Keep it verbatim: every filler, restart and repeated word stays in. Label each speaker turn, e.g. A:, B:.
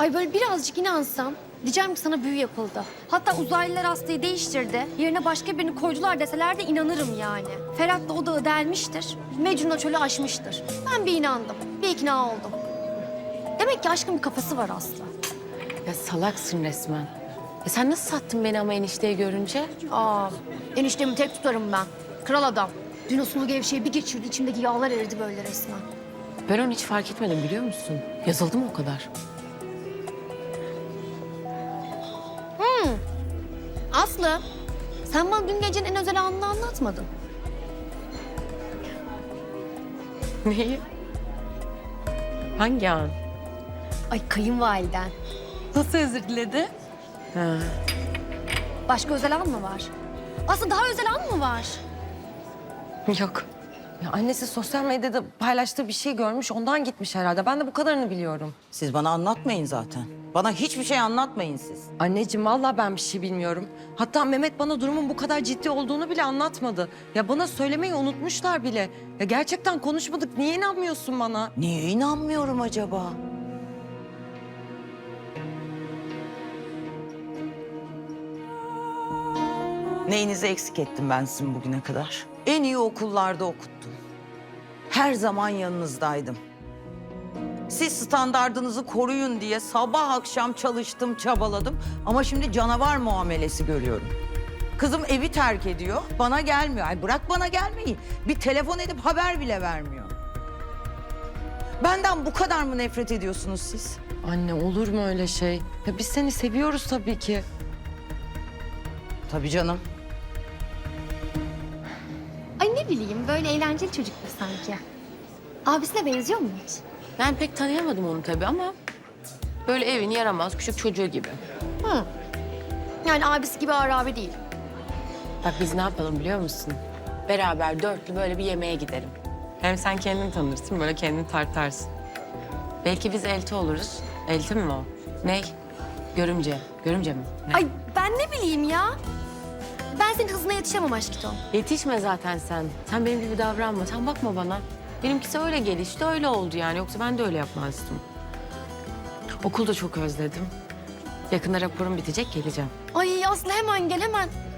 A: Ay böyle birazcık inansam diyeceğim ki sana büyü yapıldı. Hatta uzaylılar hastayı değiştirdi. Yerine başka birini koydular deseler de inanırım yani. Ferhat da o dağı delmiştir. Mecnun o çölü aşmıştır. Ben bir inandım. Bir ikna oldum. Demek ki aşkın bir kafası var Aslı.
B: Ya salaksın resmen. Ya sen nasıl sattın beni ama enişteyi görünce?
A: Aa, eniştemi tek tutarım ben. Kral adam. Dün o sulu gevşeyi bir geçirdi. İçimdeki yağlar eridi böyle resmen.
B: Ben onu hiç fark etmedim biliyor musun? Yazıldı mı o kadar?
A: Aslı, sen bana dün gecenin en özel anını anlatmadın.
B: Neyi? Hangi an?
A: Ay kayınvaliden.
B: Nasıl özür diledi? Ha.
A: Başka özel an mı var? Aslı daha özel an mı var?
B: Yok.
C: Ya annesi sosyal medyada paylaştığı bir şey görmüş, ondan gitmiş herhalde. Ben de bu kadarını biliyorum.
D: Siz bana anlatmayın zaten. Bana hiçbir şey anlatmayın siz.
C: Anneciğim vallahi ben bir şey bilmiyorum. Hatta Mehmet bana durumun bu kadar ciddi olduğunu bile anlatmadı. Ya bana söylemeyi unutmuşlar bile. Ya gerçekten konuşmadık. Niye inanmıyorsun bana?
D: Niye inanmıyorum acaba? Neyinizi eksik ettim ben sizin bugüne kadar? En iyi okullarda okuttum. Her zaman yanınızdaydım. Siz standardınızı koruyun diye sabah akşam çalıştım, çabaladım. Ama şimdi canavar muamelesi görüyorum. Kızım evi terk ediyor, bana gelmiyor. Ay bırak bana gelmeyi. Bir telefon edip haber bile vermiyor. Benden bu kadar mı nefret ediyorsunuz siz?
C: Anne olur mu öyle şey? Ya biz seni seviyoruz tabii ki.
D: Tabii canım.
A: Ay ne bileyim böyle eğlenceli çocuktur sanki. Abisine benziyor mu hiç?
B: Ben pek tanıyamadım onu tabii ama... ...böyle evin yaramaz küçük çocuğu gibi.
A: Hı. Yani abisi gibi ağır abi değil.
B: Bak biz ne yapalım biliyor musun? Beraber dörtlü böyle bir yemeğe gidelim. Hem sen kendini tanırsın, böyle kendini tartarsın. Belki biz elti oluruz. Elti mi o? Ney? Görümce. Görümce mi? Ne?
A: Ay ben ne bileyim ya. Ben senin hızına yetişemem aşkito.
B: Yetişme zaten sen. Sen benim gibi davranma. Sen bakma bana. Benimkisi öyle gelişti, öyle oldu yani. Yoksa ben de öyle yapmazdım. Okulda çok özledim. Yakında raporum bitecek, geleceğim.
A: Ay Aslı hemen gel hemen.